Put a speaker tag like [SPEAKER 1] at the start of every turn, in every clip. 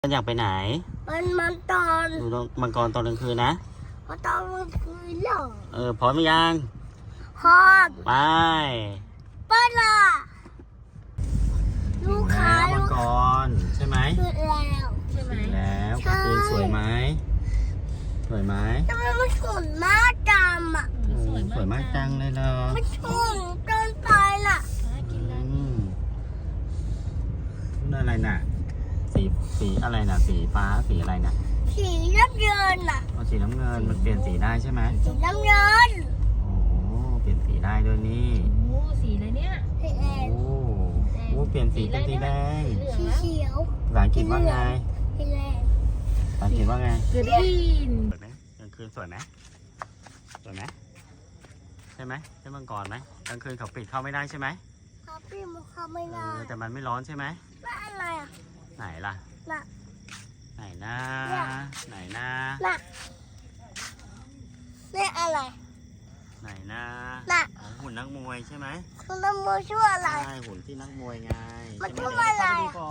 [SPEAKER 1] อยากไปไหน
[SPEAKER 2] มันตอน
[SPEAKER 1] ดูมังกรตอนกลางคืนนะ
[SPEAKER 2] มันตอนกลางคืนเหรอ
[SPEAKER 1] พร้อมหรือยัง
[SPEAKER 2] พร้อม
[SPEAKER 1] ไป
[SPEAKER 2] ละลูกค้า
[SPEAKER 1] มังกรใช่ไหม
[SPEAKER 2] ถึงแล้ว
[SPEAKER 1] ใช่ไหมแล้วกลางคืนสวยไหมสวยไหม
[SPEAKER 2] ทำไมมันสวยมากจังอ่ะ
[SPEAKER 1] สวยมากจังเลยเหรอ
[SPEAKER 2] มันสวยจนไปล่ะ
[SPEAKER 1] นั่นอะไรน่ะสีอะไรน่ะสีฟ้าสีอะไรน่ะ
[SPEAKER 2] สีน้ำเงินอ่ะ
[SPEAKER 1] สีน้ำเงินมันเปลี่ยนสีได้ใช่ไหม
[SPEAKER 2] สีน้ำเงิน
[SPEAKER 1] โอ้เปลี่ยนสีได้ด้วยนี่
[SPEAKER 3] โอ้สีอะไรเนี่ย
[SPEAKER 2] สีแดง
[SPEAKER 1] โอ้เปลี่ยนสีเป็นสีแดง
[SPEAKER 2] สีเขียว
[SPEAKER 1] ภาษาอังกฤษว่าไง
[SPEAKER 2] สีแดง
[SPEAKER 1] ภาษาอังกฤษว่าไง
[SPEAKER 3] กรีน
[SPEAKER 1] สวยไหมกลางคืนสวยไหมสวยไหมใช่ไหมใช่มังกรไหมกลางคืนเขาปิดเข้าไม่ได้ใช่ไหม
[SPEAKER 2] เขาปิดมันเข้าไม่ได้
[SPEAKER 1] แต่มันไม่ร้อนใช่ไหม
[SPEAKER 2] แล้วอะไรอ่ะ
[SPEAKER 1] ไหนล่ะ
[SPEAKER 2] น่ะ
[SPEAKER 1] ไหนนะไหนนะ
[SPEAKER 2] น่ะนี่อะไร
[SPEAKER 1] ไหนนะหุ่นนักมวยใช่ไหม
[SPEAKER 2] คุณนักมวยชื่ออะไร
[SPEAKER 1] ใช่หุ่นที่นักมวยไง
[SPEAKER 2] มันชื่ออะไร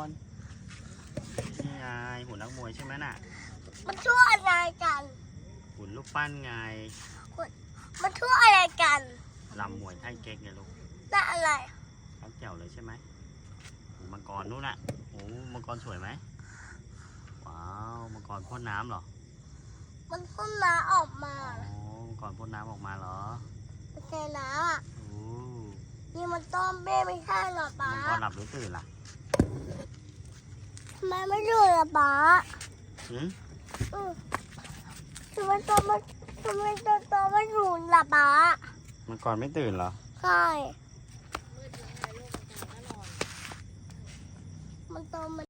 [SPEAKER 1] นี่ไงหุ่นนักมวยใช่ไหมน่ะ
[SPEAKER 2] มันชื่ออะไรกัน
[SPEAKER 1] หุ่นลูกปั้นไง
[SPEAKER 2] มันชื่ออะไรกัน
[SPEAKER 1] ลำมวยไทยเก๊กไงลูก
[SPEAKER 2] น่ะอะไร
[SPEAKER 1] ชัดแจ๋วเลยใช่ไหมมังกรนู่นน่ะโอ้มังกรสวยไหมว้าวมังกรพ่นน้ำเหรอ
[SPEAKER 2] มันพ่นน้ำออกมา
[SPEAKER 1] มังกรพ่นน้ำออกมาเหรอ
[SPEAKER 2] มันแค่น้ำอ่ะ
[SPEAKER 1] โอ้
[SPEAKER 2] นี่มันต้มเบ้ไม่ใช่หรอป๊า
[SPEAKER 1] มังกรหลับหรือตื่นล่ะ
[SPEAKER 2] ทำไมไม่ตื่นล่ะป๊าทำไมตัวไม่ตื่นล่ะป๊า
[SPEAKER 1] มังกรไม่ตื่นเหรอ
[SPEAKER 2] ใช่มันโตมัน